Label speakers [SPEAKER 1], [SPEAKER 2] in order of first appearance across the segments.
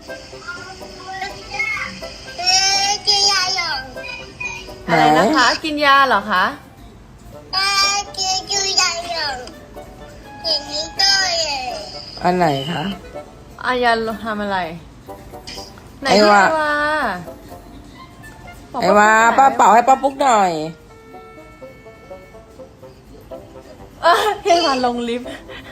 [SPEAKER 1] กินยาหยอง
[SPEAKER 2] อะไรนะคะ กินยาเหรอคะ
[SPEAKER 1] กินยาหยองอย่างนี้ก็เลย
[SPEAKER 3] อันไหนคะ
[SPEAKER 2] อายาทำอะไรไหน
[SPEAKER 3] ไอ้
[SPEAKER 2] พี่
[SPEAKER 3] วา
[SPEAKER 2] บอก
[SPEAKER 3] ไอ้ว่าป้าเป่าให้ป้าปุ๊กหน่อย
[SPEAKER 2] ให้วาลงลิฟต์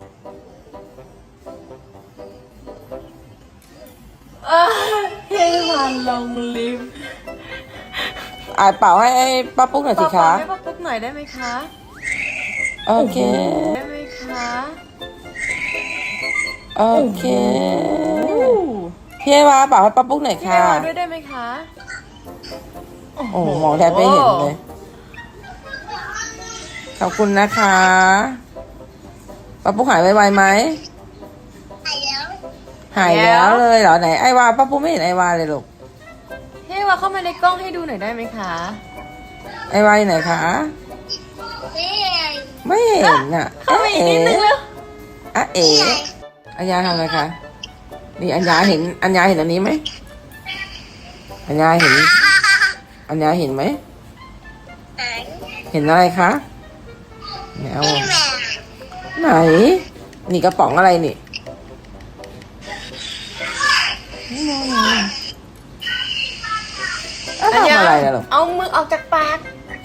[SPEAKER 2] ให้วาลงลิฟต์
[SPEAKER 3] เป่าให้ป้าปุ๊กหน่อยสิคะ
[SPEAKER 2] ให้ป้าปุ๊กหน่อยได้ไหมคะ
[SPEAKER 3] โอเค
[SPEAKER 2] ได้ไหมคะ
[SPEAKER 3] โอเคพี่ไอ้ว่าเป่าให้ป้าปุ๊กหน่อย
[SPEAKER 2] พี่
[SPEAKER 3] ค่ะ
[SPEAKER 2] ไอวาด้วยได้ไหมคะ
[SPEAKER 3] โอ้โหมองแทบไม่เห็นเลย ขอบคุณนะคะป้าปุ๊กหายไวๆไหม
[SPEAKER 1] หายแล้ว
[SPEAKER 3] หายแล้วเลยเหรอไหนไอ้ว่าป้าปุ๊กไม่เห็นไอ้ว่าเลยลูก
[SPEAKER 2] พี่ไอวาเข้ามาในกล้องให้ดูหน่อยได้ไหมคะ
[SPEAKER 3] ไอ้ว่าอยู่ไหนคะ
[SPEAKER 1] นี่
[SPEAKER 3] ไม่เห็นอ่ะ
[SPEAKER 2] เข้ามาอีกนิดนึงเร็ว
[SPEAKER 3] อะเอ๋อัญญาทำอะไรคะนี่อัญญาเห็นอัญญาเห็นอันนี้ไหมอัญญาเห็นอัญญาเห็นไหมเห็นอะไรคะแมว
[SPEAKER 1] นี่แม่
[SPEAKER 3] ไหน นี่กระป๋องอะไรนี่ทำอะไรนะลูก
[SPEAKER 2] เอามือออกจากปาก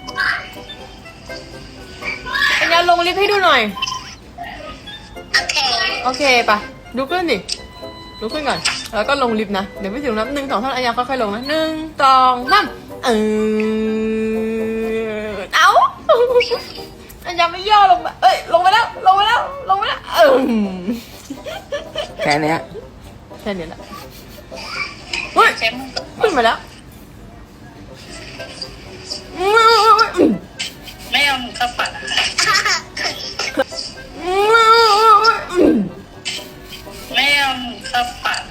[SPEAKER 2] อัญญาลงลิฟต์ให้ดูหน่อย
[SPEAKER 1] โอเค
[SPEAKER 2] โอเคปะลุกขึ้นดิลุกขึ้นก่อน แล้วก็ลงลิฟต์นะ เดี๋ยวไม่ถึงนับ1 2 3อัญญาค่อยๆลงนะ1 2 3เอา อัญญาไม่ย่อลงมาเอ้ยลงไปแล้วลงไปแล้วลงไปแล้ว
[SPEAKER 3] แค่เนี้ย
[SPEAKER 2] แค่นี้แหละเฮ้ยขึ้นมาแล้ว
[SPEAKER 1] ไม่เอาหมูข้าวผัดไม่เอาหมูข้าวผัด